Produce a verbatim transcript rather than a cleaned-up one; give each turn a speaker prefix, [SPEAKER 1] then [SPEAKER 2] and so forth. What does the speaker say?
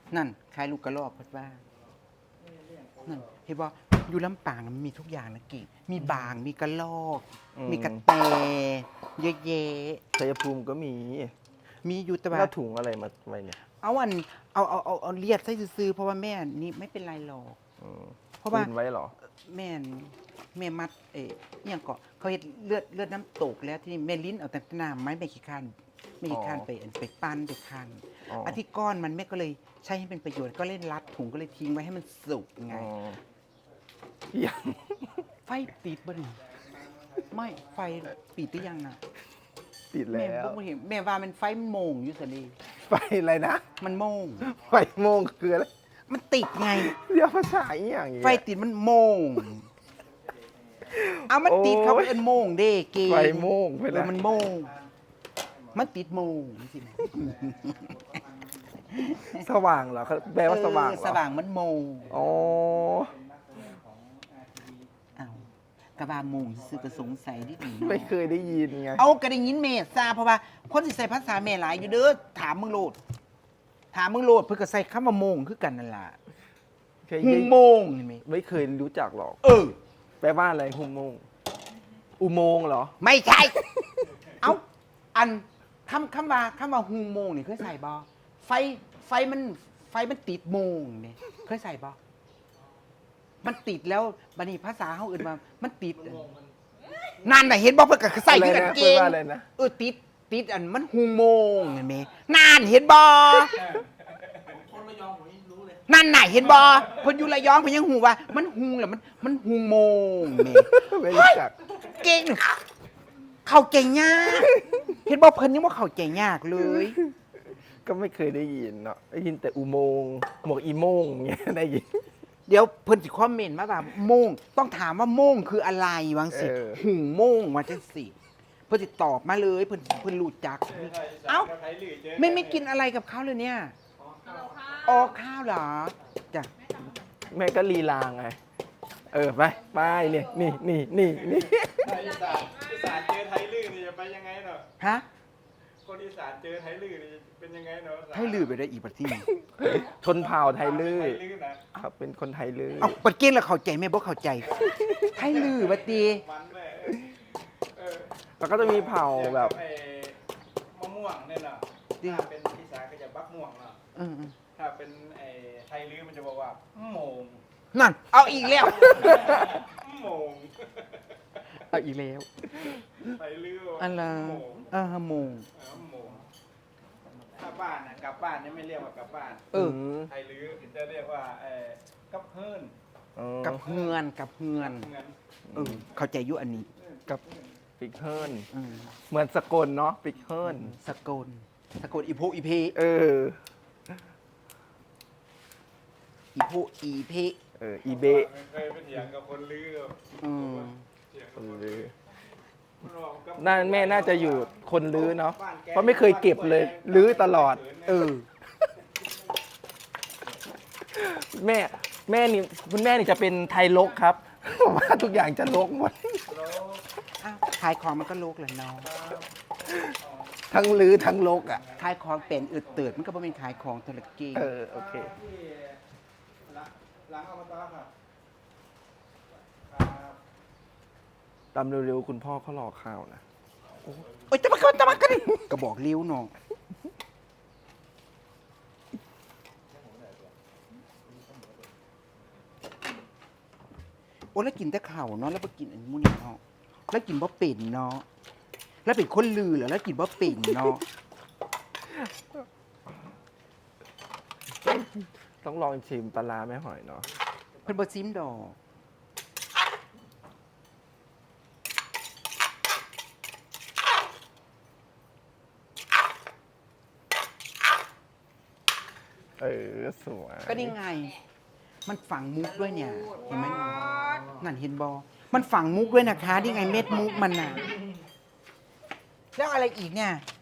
[SPEAKER 1] นั่นขายลูกกระรอกเพิ่นว่านั่นเห็นบ่อยู่ลำปางมันมีทุกอย่างนะกี่มีบางมีกระรอก มีกระแตเยอะแยะ
[SPEAKER 2] ชัยภูมิก็มี
[SPEAKER 1] มีอยู่แต่ว่า
[SPEAKER 2] แล้วถุงอะไรมาไว้เนี่ย
[SPEAKER 1] เอาอันเอาเอาเอาเอาเลียดใส่ซื้อๆเพราะว่าแม่นี่ไม่เป็นไรหรอก
[SPEAKER 2] อืม
[SPEAKER 1] เพราะว่า
[SPEAKER 2] คืนไว้เหรอ
[SPEAKER 1] แม่นแม่มัดเอ๊ะอหยังก็เขาเฮ็ดเลือดเลือดน้ำตกแล้วที่นี่แม่ลิ้นเอาแต่น้ำไม้ไม่ขี้คันไม่ขี้คัน
[SPEAKER 2] อ๋อ
[SPEAKER 1] ไปอันไปปั้นไปคัน
[SPEAKER 2] อ๋อ
[SPEAKER 1] อันที่ก้อนมันแม่ก็เลยใช้ให้เป็นประโยชน์ก็เล่นรัดถุงก็เลยทิ้งไว้ให้มันสุกไง
[SPEAKER 2] อ๋อยัง
[SPEAKER 1] ไฟติดบ่นี่ไม่ไฟปิดหรือยังน่ะ
[SPEAKER 2] ติด
[SPEAKER 1] แม่
[SPEAKER 2] แล้ว
[SPEAKER 1] บ่เห็นแม่ว่ามันไฟมันโมงอยู่ซะนี่
[SPEAKER 2] ไฟอะไรนะ
[SPEAKER 1] มันโมง
[SPEAKER 2] ไฟโมงคืออะไร
[SPEAKER 1] มันติดไง
[SPEAKER 2] เรียกภาษาอีหยังอย่าง
[SPEAKER 1] ไฟติดมันโมง เอามันติดเขาเอิ้นโมงเด้เก
[SPEAKER 2] ไฟโมงไป
[SPEAKER 1] เอ
[SPEAKER 2] แล้
[SPEAKER 1] อ
[SPEAKER 2] ว
[SPEAKER 1] มันโมง มันติดโมงสินะ
[SPEAKER 2] สว่างเหรอเขาแปลว่าสว่าง
[SPEAKER 1] เอ
[SPEAKER 2] เห
[SPEAKER 1] อ
[SPEAKER 2] รอ
[SPEAKER 1] สว่างมันโมง
[SPEAKER 2] อ๋อ
[SPEAKER 1] เอากระบาโมงซื้อก็สงสัยนิดหนึ่ง
[SPEAKER 2] ไม่เคยได้ยินไง
[SPEAKER 1] เอากระดิ่งยินเมษาเพราะว่าคนที่ใส่ภาษาเมหลายอยู่เด้อถามมึงโลด ถามมึงโลดเพื่อก็ใส่คำว่าโมงคือกันนั่นล่ะ
[SPEAKER 2] เคย
[SPEAKER 1] หุ
[SPEAKER 2] ได้
[SPEAKER 1] งโมงนี่ไหม
[SPEAKER 2] ไม่เคยรู้จักหรอก
[SPEAKER 1] เออ
[SPEAKER 2] แปลว่าอะไรหุโมงค์อุโมงค์เหรอ
[SPEAKER 1] ไม่ใช่ เอาอันคำคำว่าคำว่าหุงโมงนี่เคยใส่บอไฟไฟมันไฟมันติดโมงนี่เคยใส่บอมันติดแล้วบัดนี้ภาษาเขาอื่นมามันติดนั่นน่ะเห็นบอเพื่อก็ใส่คือกันเก่ง
[SPEAKER 2] แปลว่าอะไรนะ
[SPEAKER 1] เออติดติดอันมันหุงโมงเห็นไหมนั่นเห็นบอนั่นน่ะเห็นบอเพนอยุระยองเพนยังหูว่า มันหุงแล้วมันมันหุงโมงนี่
[SPEAKER 2] ไม่รู้จัก
[SPEAKER 1] เก่งเขาเก่งยากเห็นบอกเพิ่นยังว่าเขาเก่งยากเลย
[SPEAKER 2] ก็ไม่เคยได้ยินเนาะได้ยินแต่อุโมงค์หมวกอีโมงเงี้ยได้ยิน
[SPEAKER 1] เดี๋ยวเพิ่นสิคอมเมนต์มาว่าโมงต้องถามว่าโมงคืออะไรวังสิ
[SPEAKER 2] เออ
[SPEAKER 1] หุงโมงว่าจังสิเพิ่นสิตอบมาเลยเพิ่นเพิ่นรู้จัก เอ้าไม่ไม่กินอะไรกับเขาเลยเนี่ยออข้าวเหรอจ้ะ
[SPEAKER 2] แม่ก็ลีลาไง เออไปไปเนี่ยนี่นี่นี่นี่
[SPEAKER 3] อีสานอีสานเจอไทยลื่นนี่จะไปยังไงเนาะ
[SPEAKER 1] ฮะ
[SPEAKER 3] คนอีสานเจอไทยลื่นนี่เป็นยังไงเนาะ
[SPEAKER 1] ให้ลือไปได้อีกบัดที่
[SPEAKER 2] ชนเผ่าไทยลื้อ
[SPEAKER 3] ไทยลื่นนะครับ
[SPEAKER 2] เป็นคนไทยลื้อ
[SPEAKER 1] เอาปัดเกณฑ์แล้วเข้าใจไหมบ่เข้าใจให้ลือบัดตี
[SPEAKER 3] มันเลยเออ
[SPEAKER 2] แล้วก็จะมีเผ่าแบบ
[SPEAKER 3] ไอ้มะม่วงเนี่ยเนาะถ้าเป็นอีสานก็จะบักม่วงเนาะ
[SPEAKER 1] เออ
[SPEAKER 3] ถ้าเป็นไอ้ไทยลื่นมันจะบอกว่าโมง
[SPEAKER 1] ๆนั่นเอาอีกแล้ว
[SPEAKER 3] โมง
[SPEAKER 1] เอาอีกแล้ว
[SPEAKER 3] ไทยลื่น
[SPEAKER 1] อันละ
[SPEAKER 3] โมง
[SPEAKER 1] เออโมง
[SPEAKER 3] เออโมงถ้าบ้านนะกลับบ้านเนี่ยไม่เรียกว่ากลับบ้าน
[SPEAKER 1] เออ
[SPEAKER 2] ม
[SPEAKER 3] ไทยลื่นจะเรียกว่าไอ้กับเฮิร์น
[SPEAKER 2] อ๋อ
[SPEAKER 1] กับเฮือนกับเฮือน
[SPEAKER 3] เงิน
[SPEAKER 1] เออเข้าใจอยุอันนี้
[SPEAKER 2] กับปิกเฮิร์น
[SPEAKER 1] อืม
[SPEAKER 2] เหมือนสกลเนาะปิกเฮิร์น
[SPEAKER 1] สกลสกลอีโพอีเพ
[SPEAKER 2] เออ
[SPEAKER 1] อีโพอีเพ
[SPEAKER 2] เอออีเบะ
[SPEAKER 3] เคยไปเถียงกับคนลือ
[SPEAKER 1] อืม
[SPEAKER 3] เถียง
[SPEAKER 2] ค
[SPEAKER 3] กับ
[SPEAKER 2] น
[SPEAKER 3] คน
[SPEAKER 2] ลื้อ
[SPEAKER 3] ลือ
[SPEAKER 2] น่าแม่น่าจะอยู่คนลื้อเนาะเพราะไม่เคยเก็บเลยลื้อตลอด
[SPEAKER 1] เออ
[SPEAKER 2] แม่แม่นี่คุณแม่นี่จะเป็นไทยลกครับ ว่าทุกอย่างจะลกหมด
[SPEAKER 1] อ้าวขายของมันก็โลกแหละเนาะ
[SPEAKER 2] ทั้งลื้อทั้งลกอ่ะ
[SPEAKER 1] ขายของเป็นอึดเติดมันก็บ่เป็นขายของธุรกิจ
[SPEAKER 2] เออโอเค
[SPEAKER 3] หลังอบตค่ะ
[SPEAKER 2] ตามเร็วๆคุณพ่อเขารอข้าวนะ
[SPEAKER 1] โอ้ยจะมากันจะมากันก็บอกเลี้ยวเนาะโอ้แล้วกินแต่ข้าวเนาะแล้วไปกินอันมูนี่เนาะแล้วกินบ่เป็นเนาะแล้วเป็นคนลือเหรอแล้วกินบ่เป็นเนาะ
[SPEAKER 2] ต้องลองชิมปลาร้าแม่หอยเนาะ
[SPEAKER 1] เพิ่นบ่ซิมดอก
[SPEAKER 2] เออสวย
[SPEAKER 1] ก็นี่ไง มันฝังมุกด้วยเนี่ย เห็นไหมนั่นเห็นบอมันฝังมุกด้วยนะคะนี่ไงเม็ดมุกมันน่ะ แล้วอะไรอีกเนี่ย